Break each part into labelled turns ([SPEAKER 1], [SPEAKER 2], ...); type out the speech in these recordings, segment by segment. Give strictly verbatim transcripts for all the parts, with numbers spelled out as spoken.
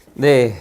[SPEAKER 1] 네,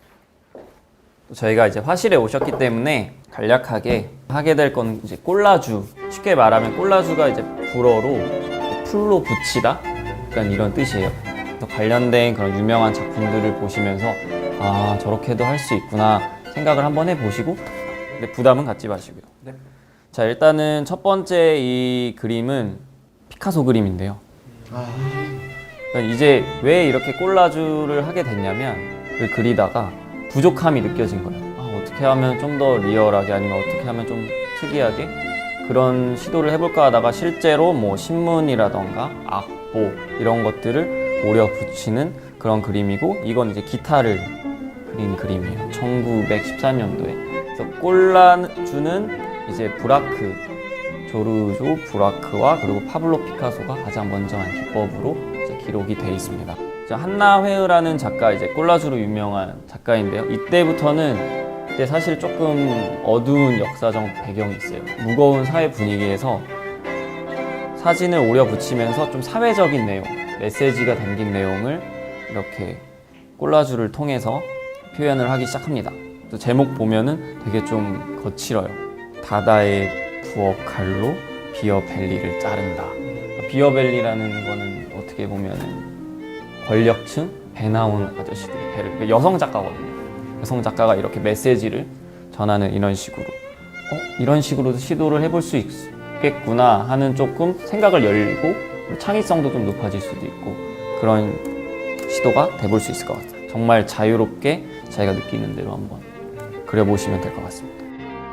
[SPEAKER 1] 저희가 이제 화실에 오셨기 때문에 간략하게 하게 될 건 이제 꼴라주. 쉽게 말하면 꼴라주가 이제 불어로 풀로 붙이다, 약간 이런 뜻이에요. 그래서 관련된 그런 유명한 작품들을 보시면서 아, 저렇게도 할 수 있구나 생각을 한번 해보시고, 근데 부담은 갖지 마시고요. 네. 자, 일단은 첫 번째 이 그림은 피카소 그림인데요. 아... 그러니까 이제 왜 이렇게 꼴라주를 하게 됐냐면, 그 그리다가 부족함이 느껴진 거예요. 아, 어떻게 하면 좀 더 리얼하게, 아니면 어떻게 하면 좀 특이하게 그런 시도를 해볼까 하다가 실제로 뭐 신문이라던가 악보 이런 것들을 오려 붙이는 그런 그림이고, 이건 이제 기타를 그린 그림이에요. 천구백십사 년도에. 그래서 꼴라주는 이제 브라크, 조르조 브라크와 그리고 파블로 피카소가 가장 먼저 한 기법으로 이제 기록이 되어 있습니다. 한나 회의라는 작가, 이제 꼴라주로 유명한 작가인데요. 이때부터는 이때 사실 조금 어두운 역사적 배경이 있어요. 무거운 사회 분위기에서 사진을 오려 붙이면서 좀 사회적인 내용, 메시지가 담긴 내용을 이렇게 꼴라주를 통해서 표현을 하기 시작합니다. 또 제목 보면은 되게 좀 거칠어요. 다다의 부엌 칼로 비어벨리를 자른다. 비어벨리라는 거는 어떻게 보면은 권력층, 배 나온 아저씨들의 배를, 여성 작가거든요. 여성 작가가 이렇게 메시지를 전하는 이런 식으로, 어? 이런 식으로도 시도를 해볼 수 있겠구나 하는 조금 생각을 열고 창의성도 좀 높아질 수도 있고, 그런 시도가 돼볼 수 있을 것 같아요. 정말 자유롭게 자기가 느끼는 대로 한번 그려보시면 될 것 같습니다.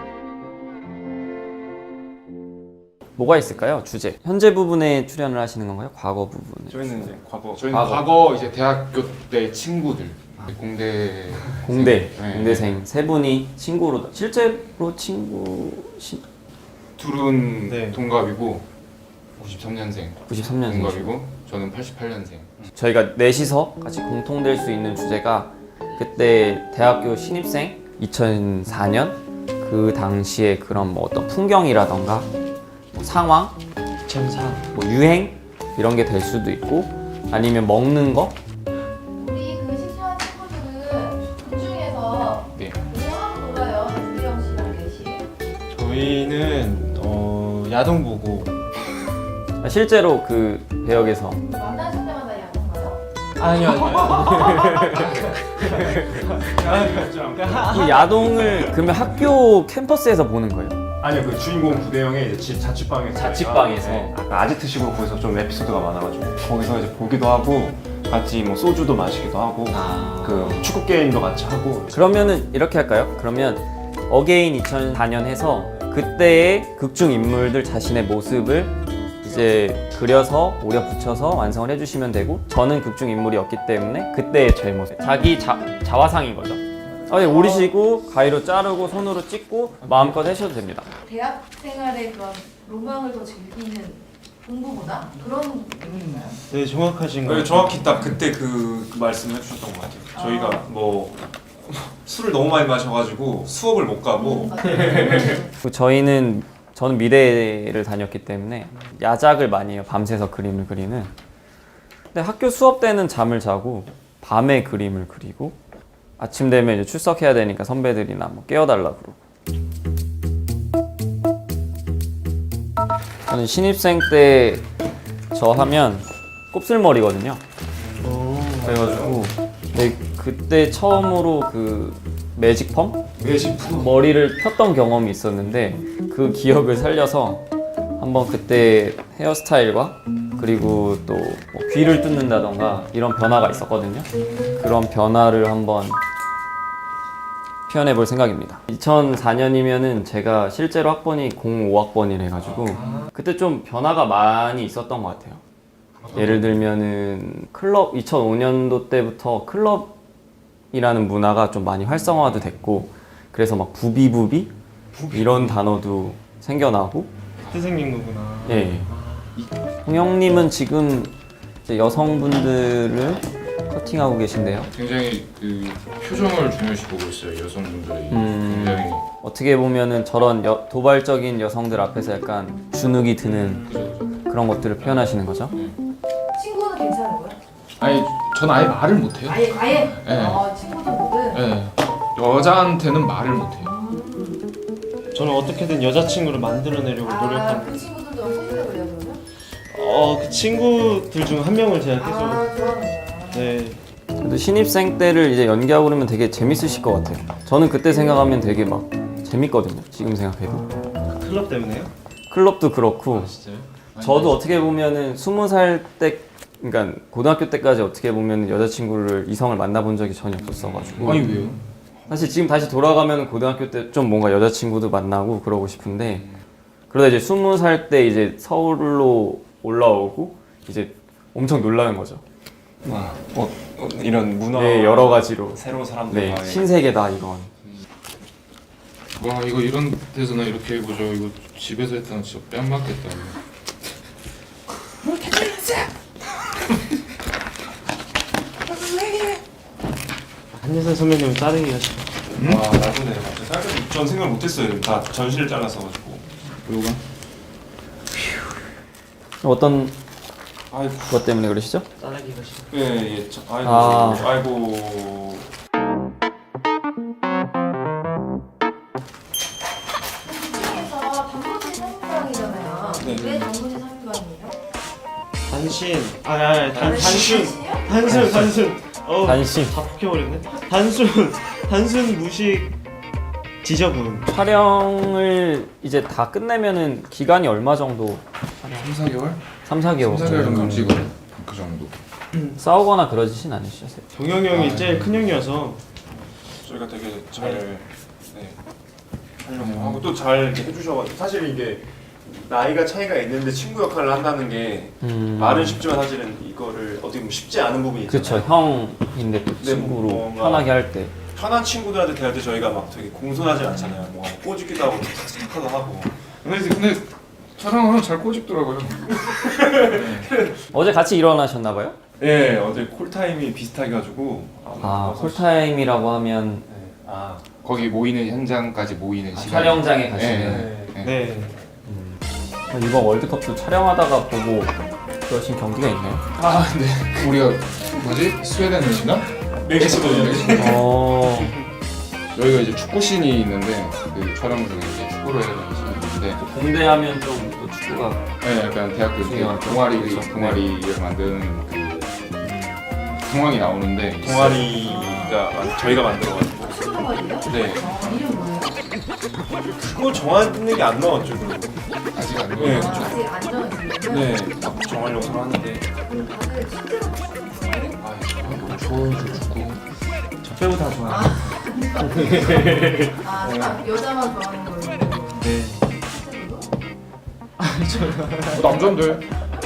[SPEAKER 1] 뭐가 있을까요? 주제. 현재 부분에 출연을 하시는 건가요? 과거 부분에?
[SPEAKER 2] 저희는 이제 과거. 저희는
[SPEAKER 1] 과거,
[SPEAKER 2] 과거 이제 대학교 때 친구들. 공대.
[SPEAKER 1] 공대.
[SPEAKER 2] 네.
[SPEAKER 1] 공대생 세 분이 친구로. 실제로 친구. 시...
[SPEAKER 2] 둘은
[SPEAKER 3] 네.
[SPEAKER 2] 동갑이고 구십삼 년생.
[SPEAKER 1] 구십삼 년생.
[SPEAKER 2] 동갑이고 저는 팔십팔 년생.
[SPEAKER 1] 저희가 넷이서 같이 공통될 수 있는 주제가, 그때 대학교 신입생 이천사 년 그 당시에 그런 뭐 어떤 풍경이라던가 뭐 상황,
[SPEAKER 3] 이천사
[SPEAKER 1] 뭐 유행 이런 게 될 수도 있고, 아니면 먹는 거.
[SPEAKER 4] 우리 그 식사한 친구들은 그 중에서
[SPEAKER 2] 네.
[SPEAKER 4] 뭐 하고 놀아요? 이수영 씨랑 넷이.
[SPEAKER 3] 저희는 어, 야동 보고.
[SPEAKER 1] 실제로 그 배역에서
[SPEAKER 4] 만나실 때마다 야동 봐요?
[SPEAKER 3] 아니요 아니요
[SPEAKER 1] 이 야동을 그러면 학교 캠퍼스에서 보는 거예요?
[SPEAKER 5] 아니요, 그 주인공 부대형의 이제 집 자취방에서
[SPEAKER 1] 자취방에서?
[SPEAKER 5] 네, 아까 아지트식으로 거기서 좀 에피소드가 많아가지고 거기서 이제 보기도 하고 같이 뭐 소주도 마시기도 하고
[SPEAKER 1] 아...
[SPEAKER 5] 그 축구 게임도 같이 하고.
[SPEAKER 1] 그러면은 이렇게 할까요? 그러면 어게인 이천사 년 해서 그때의 극중 인물들 자신의 모습을 이제 그려서 오려 붙여서 완성을 해주시면 되고, 저는 극중 인물이었기 때문에 그때의 제 모습, 자기 자, 자화상인 거죠. 아, 네, 오리시고 가위로 자르고 손으로 찍고 마음껏 하셔도 됩니다.
[SPEAKER 4] 대학 생활의 그런 로망을 더 즐기는 공부보다 그런 느낌인가요?
[SPEAKER 3] 네, 정확하신
[SPEAKER 2] 네,
[SPEAKER 3] 거예요.
[SPEAKER 2] 정확히 딱 그때 그, 그 말씀을 해주셨던 것 같아요.
[SPEAKER 4] 아.
[SPEAKER 2] 저희가 뭐 술을 너무 많이 마셔가지고 수업을 못 가고.
[SPEAKER 1] 그리고 저희는 저는 미대를 다녔기 때문에 야작을 많이 해요. 밤새서 그림을 그리는. 근데 학교 수업 때는 잠을 자고 밤에 그림을 그리고, 아침 되면 이제 출석해야 되니까 선배들이나 뭐 깨워달라 그러고. 저는 신입생 때 저 하면 곱슬머리거든요. 그래가지고 네, 그때 처음으로 그 매직펌?
[SPEAKER 2] 매직펌?
[SPEAKER 1] 머리를 폈던 경험이 있었는데, 그 기억을 살려서 한번 그때 헤어스타일과 그리고 또 뭐 귀를 뚫는다던가 이런 변화가 있었거든요. 그런 변화를 한번 표현해 볼 생각입니다. 이천사 년이면은 제가 실제로 학번이 공오 학번이래 가지고 그때 좀 변화가 많이 있었던 것 같아요. 예를 들면은 클럽, 이천오 년도 때부터 클럽이라는 문화가 좀 많이 활성화도 됐고, 그래서 막 부비부비 이런 단어도 생겨나고.
[SPEAKER 3] 선생님 거구나.
[SPEAKER 1] 예. 홍영님은 지금 이제 여성분들을 커팅하고 계신데요.
[SPEAKER 2] 굉장히 그 표정을 중요시 보고 있어요, 여성분들이.
[SPEAKER 1] 음.
[SPEAKER 2] 굉장히.
[SPEAKER 1] 어떻게 보면은 저런 여, 도발적인 여성들 앞에서 약간 주눅이 드는
[SPEAKER 2] 그죠, 그죠.
[SPEAKER 1] 그런 것들을 표현하시는 거죠.
[SPEAKER 4] 친구는 괜찮은 거야?
[SPEAKER 2] 아니
[SPEAKER 6] 전 아예 말을 못해요.
[SPEAKER 4] 아예 아예.
[SPEAKER 6] 네.
[SPEAKER 4] 어, 친구도 모든.
[SPEAKER 6] 네. 여자한테는 말을 못해요.
[SPEAKER 3] 저는 어떻게든 여자친구를 만들어내려고
[SPEAKER 4] 아,
[SPEAKER 3] 노력합니다.
[SPEAKER 4] 그 친구들도 사귀려고 그래요 그러면?
[SPEAKER 3] 어, 그 친구들 중 한 명을 제가 계속
[SPEAKER 4] 아, 좋아하네요.
[SPEAKER 3] 네.
[SPEAKER 1] 그래도 신입생 때를 이제 연기하고 그러면 되게 재밌으실 것 같아요. 저는 그때 생각하면 되게 막 재밌거든요. 지금 생각해도.
[SPEAKER 3] 클럽 때문에요?
[SPEAKER 1] 클럽도 그렇고
[SPEAKER 6] 진짜요?
[SPEAKER 1] 저도 어떻게 보면은 스무 살 때, 그러니까 고등학교 때까지 어떻게 보면 여자친구를 이성을 만나본 적이 전혀 없었어가지고.
[SPEAKER 6] 아니 왜요?
[SPEAKER 1] 사실 지금 다시 돌아가면 고등학교 때 좀 뭔가 여자친구도 만나고 그러고 싶은데 그러다 이제 스무 살 때 이제 서울로 올라오고 이제 엄청 놀라는 거죠.
[SPEAKER 5] 와, 어, 어, 이런 문화
[SPEAKER 1] 네, 여러 가지로.
[SPEAKER 5] 새로운
[SPEAKER 1] 네,
[SPEAKER 5] 사람들과
[SPEAKER 1] 신세계다 이건.
[SPEAKER 6] 와 이거 이런 데서나 이렇게 해보죠. 이거 집에서 했다는 진짜 뺨 맞겠다.
[SPEAKER 3] 한예선 선배님은 자르기 하시고.
[SPEAKER 2] 아 나중에 생각해도 전 생각 못했어요. 다 전시를 잘랐어가지고.
[SPEAKER 6] 이거가?
[SPEAKER 1] 어떤
[SPEAKER 2] 아이고.
[SPEAKER 1] 것 때문에 그러시죠?
[SPEAKER 3] 자르기 하시고.
[SPEAKER 2] 예, 예. 저, 아이고.
[SPEAKER 1] 아.
[SPEAKER 2] 아이고.
[SPEAKER 4] 그래서 단무지 삼인방이잖아요.
[SPEAKER 2] 네.
[SPEAKER 4] 왜 단무지 삼인방이에요?
[SPEAKER 3] 단신. 아, 아, 아 단, 단순.
[SPEAKER 4] 단신이요?
[SPEAKER 3] 단순, 단순. 어,
[SPEAKER 1] 단신.
[SPEAKER 3] 다 폭혀버렸네. 단순, 단순 무식 지저분.
[SPEAKER 1] 촬영을 이제 다 끝내면은 기간이 얼마 정도?
[SPEAKER 6] 삼, 사 개월?
[SPEAKER 1] 삼, 사 개월.
[SPEAKER 6] 삼, 사 개월 정도
[SPEAKER 1] 음.
[SPEAKER 6] 찍어요. 그 정도.
[SPEAKER 1] 싸우거나 그러지진 않으시죠?
[SPEAKER 3] 동영이 형이
[SPEAKER 6] 아,
[SPEAKER 3] 제일 큰 형이어서
[SPEAKER 2] 저희가 되게 잘 네, 하려고 하고 또 잘 이렇게 해주셔가지고 사실 이게 나이가 차이가 있는데 친구 역할을 한다는 게
[SPEAKER 1] 음.
[SPEAKER 2] 말은 쉽지만 사실은 이거를 어떻게 보면 쉽지 않은 부분이 있잖아요.
[SPEAKER 1] 그쵸, 형인데 또
[SPEAKER 2] 네,
[SPEAKER 1] 친구로
[SPEAKER 2] 뭔가-
[SPEAKER 1] 편하게 할 때.
[SPEAKER 2] 편한 친구들한테 대할 때 저희가 막 되게 공손하지 않잖아요. 뭐 꼬집기도 하고 착하도 하고.
[SPEAKER 6] 근데 근데 촬영하면 잘 꼬집더라고요.
[SPEAKER 1] 어제 같이 일어나셨나봐요?
[SPEAKER 2] 네, 어제 콜타임이 비슷하게 가지고.
[SPEAKER 1] 아, 콜타임이라고 하면
[SPEAKER 2] 네. 아,
[SPEAKER 6] 거기 모이는 현장까지 모이는
[SPEAKER 1] 아,
[SPEAKER 6] 시간.
[SPEAKER 1] 촬영장에 가시는.
[SPEAKER 2] 네.
[SPEAKER 6] 네.
[SPEAKER 3] 네.
[SPEAKER 1] 이번 월드컵도 촬영하다가 보고 그러신 경기가 있나요?
[SPEAKER 6] 아 네. 우리가 뭐지? 스웨덴이시나?
[SPEAKER 2] 멕시코요.
[SPEAKER 1] 어,
[SPEAKER 6] 여기가 이제 축구씬이 있는데 그 촬영 중에 이제 축구를 해야 되는 씬이 있는데
[SPEAKER 1] 공대하면 좀 또 축구가
[SPEAKER 6] 네, 약간 대학교 때
[SPEAKER 1] 중요하죠.
[SPEAKER 6] 동아리
[SPEAKER 1] 그렇죠.
[SPEAKER 6] 동아리를 만드는 그 상황이 나오는데
[SPEAKER 2] 동아리가 저희가 만들어가지고.
[SPEAKER 4] 무슨 동아리예요?
[SPEAKER 2] 네.
[SPEAKER 4] 아, 이름 뭐예요?
[SPEAKER 2] 그거 정하는 게 안 나왔죠. 그거.
[SPEAKER 6] 아직 안
[SPEAKER 2] 네,
[SPEAKER 6] 돼요.
[SPEAKER 4] 아, 아직 안 정해졌어요?
[SPEAKER 2] 네, 막 정하려고 하는데.
[SPEAKER 4] 그럼 다들 실제로 축구예요?
[SPEAKER 6] 아, 좋아요, 축구.
[SPEAKER 3] 저 빼고 다 좋아요.
[SPEAKER 4] 아, 딱 여자만 좋아하는 거예요?
[SPEAKER 3] 네.
[SPEAKER 4] 실제로도?
[SPEAKER 6] 어, 남잔데.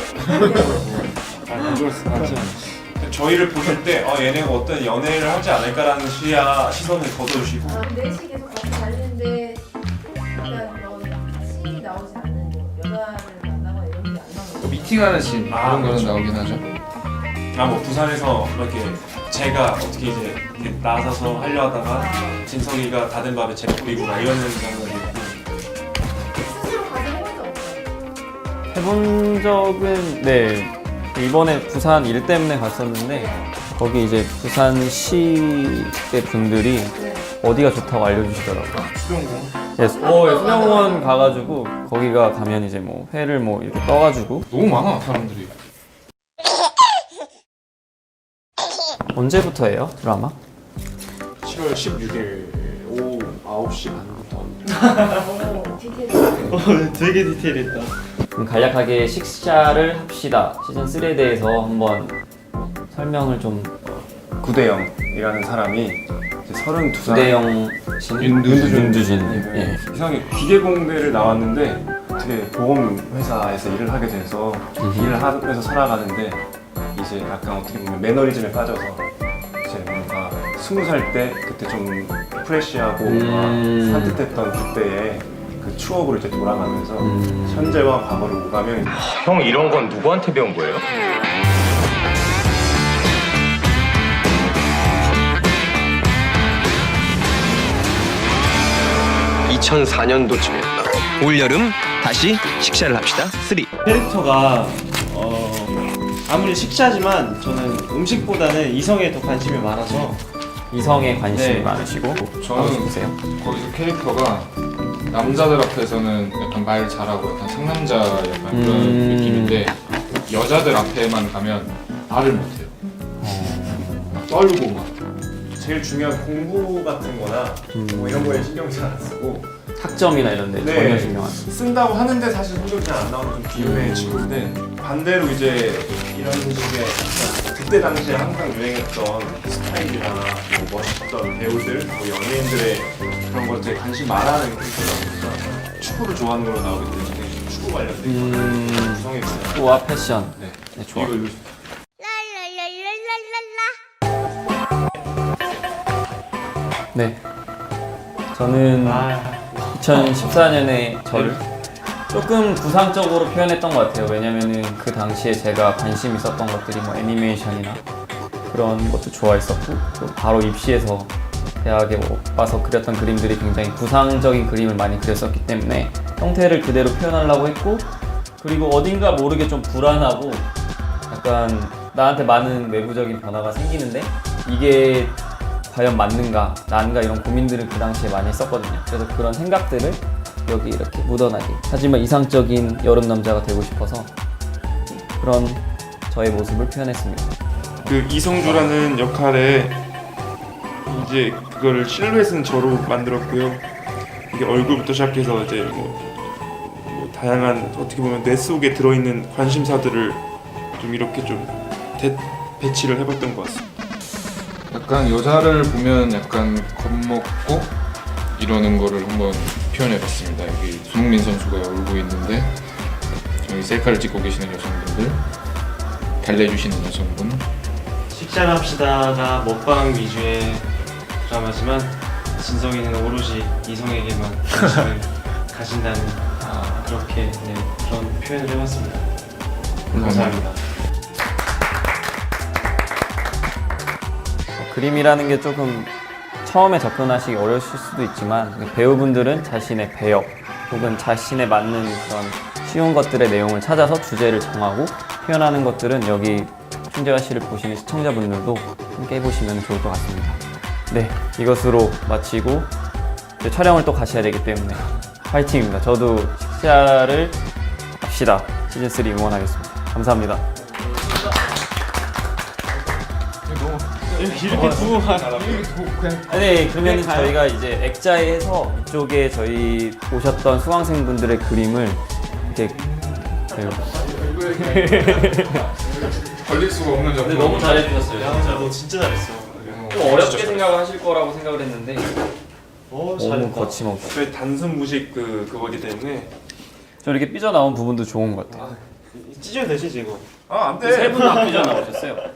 [SPEAKER 2] 안 좋았어. 저희를 보실 때 어, 얘네가 어떤 연애를 하지 않을까라는 시야 시선을 거둬주시고.
[SPEAKER 4] 아, 넷이 계속 같이 다니는데 약간 그런 씬이 나오지 않는 여자를 만나거나 이런 게 안 나오는 거예요?
[SPEAKER 6] 미팅하는 씬
[SPEAKER 2] 아,
[SPEAKER 6] 그런 거는
[SPEAKER 2] 그렇죠.
[SPEAKER 6] 나오긴 하죠.
[SPEAKER 2] 아, 뭐 부산에서 이렇게 제가 어떻게 이제 이렇게 나서서 하려 하다가 진석이가 다 된 밥에 재 뿌리고 막 이러는 장면이 있고.
[SPEAKER 4] 스스로 가서 해본 적 없어요?
[SPEAKER 1] 해본 적은 네 이번에 부산 일 때문에 갔었는데 거기 이제 부산시의 분들이
[SPEAKER 4] 네.
[SPEAKER 1] 어디가 좋다고 알려주시더라고요.
[SPEAKER 2] 수영공.
[SPEAKER 1] 예, 수- 어, 예, 수영원 가가지고 거기가 가면 이제 뭐 회를 뭐 이렇게 떠가지고
[SPEAKER 6] 너무 많아 사람들이.
[SPEAKER 1] 언제부터예요 드라마?
[SPEAKER 2] 칠월 십육일 오후 아홉 시 반부터.
[SPEAKER 4] 오, 디테일.
[SPEAKER 3] 어, 되게 디테일했다.
[SPEAKER 1] 그럼 간략하게 식사를 합시다 시즌 삼에 대해서 한번 설명을 좀.
[SPEAKER 5] 구대영이라는 사람이 이제 서른두 살
[SPEAKER 1] 구대영 씨는
[SPEAKER 6] 윤두준.
[SPEAKER 1] 윤두준. 예.
[SPEAKER 5] 이상하게 기계공대를 나왔는데 어떻게 보험 회사에서 일을 하게 돼서 일을 하면서 살아가는데 이제 약간 어떻게 보면 매너리즘에 빠져서 이제 뭔가 스무 살 때 그때 좀 프레시하고
[SPEAKER 1] 음.
[SPEAKER 5] 막 산뜻했던 그때의 그 추억으로 이제 돌아가면서
[SPEAKER 1] 음.
[SPEAKER 5] 현재와 과거를 오가면
[SPEAKER 7] 형 이런 건 누구한테 배운 거예요? 이천사 년도쯤이었다. 올여름 다시 식사를 합시다. 쓰리.
[SPEAKER 3] 캐릭터가 어 아무리 식사지만 저는 음식보다는 이성에 더 관심이 많아서
[SPEAKER 1] 이성에 관심이
[SPEAKER 3] 네.
[SPEAKER 1] 많으시고
[SPEAKER 6] 저는
[SPEAKER 1] 보세요.
[SPEAKER 6] 거기서 캐릭터가 남자들 앞에서는 약간 말 잘하고 약간 상남자 약간 그런
[SPEAKER 1] 음.
[SPEAKER 6] 느낌인데 여자들 앞에만 가면 말을 못해요. 막 떨고 막.
[SPEAKER 2] 제일 중요한 공부 같은 거나 뭐 이런 거에 신경 잘 안 쓰고
[SPEAKER 1] 학점이나 이런 데
[SPEAKER 2] 네.
[SPEAKER 1] 전혀 신경 안 써.
[SPEAKER 2] 쓴다고 하는데 사실 성적이 잘 안 나오는 좀 비운의 친구인데 반대로 이제 이런 식의 그때 당시에 항상 유행했던 스타일이나 뭐 멋있던 배우들, 뭐 연예인들의 그런 것에 되게 관심 많아하는 캐릭터다 보니까 축구를 좋아하는 걸로 나오기 때문에 축구 관련된
[SPEAKER 1] 음,
[SPEAKER 2] 구성에 있어요.
[SPEAKER 1] 축구와 패션.
[SPEAKER 2] 네.
[SPEAKER 1] 네, 좋아.
[SPEAKER 2] 이거 이거
[SPEAKER 1] 네. 저는
[SPEAKER 3] 아,
[SPEAKER 1] 이천십사 년에 저를 조금 구상적으로 표현했던 것 같아요. 왜냐면은 그 당시에 제가 관심 있었던 것들이 뭐 애니메이션이나 그런 것도 좋아했었고 또 바로 입시해서 대학에 와서 그렸던 그림들이 굉장히 구상적인 그림을 많이 그렸었기 때문에 형태를 그대로 표현하려고 했고 그리고 어딘가 모르게 좀 불안하고 약간 나한테 많은 외부적인 변화가 생기는데 이게 과연 맞는가, 난가 이런 고민들을 그 당시에 많이 했었거든요. 그래서 그런 생각들을 여기 이렇게 묻어나게 하지만 이상적인 여름 남자가 되고 싶어서 그런 저의 모습을 표현했습니다.
[SPEAKER 8] 그 이성주라는 역할에 이제 그거를 실루엣은 저로 만들었고요. 이게 얼굴부터 시작해서 이제 뭐, 뭐 다양한 어떻게 보면 뇌 속에 들어있는 관심사들을 좀 이렇게 좀 대, 배치를 해봤던 것 같습니다.
[SPEAKER 6] 약간 여자를 보면 약간 겁먹고 이러는 거를 한번 표현해봤습니다. 여기 손흥민 선수가 울고 있는데 여기 셀카를 찍고 계시는 여성분들, 달래주시는 여성분.
[SPEAKER 3] 식사를 합시다가 먹방 위주의 드라마지만 진성이는 오로지 이성에게만 관심을 가진다는 아, 그렇게 네, 그런 표현을 해봤습니다. 감사합니다.
[SPEAKER 1] 그림이라는 게 조금 처음에 접근하시기 어려우실 수도 있지만 배우분들은 자신의 배역 혹은 자신에 맞는 그런 쉬운 것들의 내용을 찾아서 주제를 정하고 표현하는 것들은 여기 충재화 씨를 보시는 시청자분들도 함께 해보시면 좋을 것 같습니다. 네, 이것으로 마치고 이제 촬영을 또 가셔야 되기 때문에 화이팅입니다. 저도 식사를 합시다 시즌삼 응원하겠습니다. 감사합니다.
[SPEAKER 3] 이렇게 두고 가.
[SPEAKER 1] 네, 그러면 저희가 이제 액자에 해서 이쪽에 저희 오셨던 수강생분들의 그림을 이렇게 그
[SPEAKER 6] 걸릴 수가 없는 작품.
[SPEAKER 1] 너무 잘해주셨어요.
[SPEAKER 3] 야, 너 진짜 잘했어.
[SPEAKER 1] 좀 어렵게 생각을 하실 거라고 생각을 했는데
[SPEAKER 3] 오,
[SPEAKER 1] 너무
[SPEAKER 3] 잘했다.
[SPEAKER 1] 거침없이
[SPEAKER 2] 저희 단순 무식 그 그거기 때문에
[SPEAKER 1] 저 이렇게 삐져나온 부분도 좋은 것 같아요.
[SPEAKER 3] 찢어도 되지 지금?
[SPEAKER 2] 아, 안
[SPEAKER 1] 세 분은 안 삐져나오셨어요.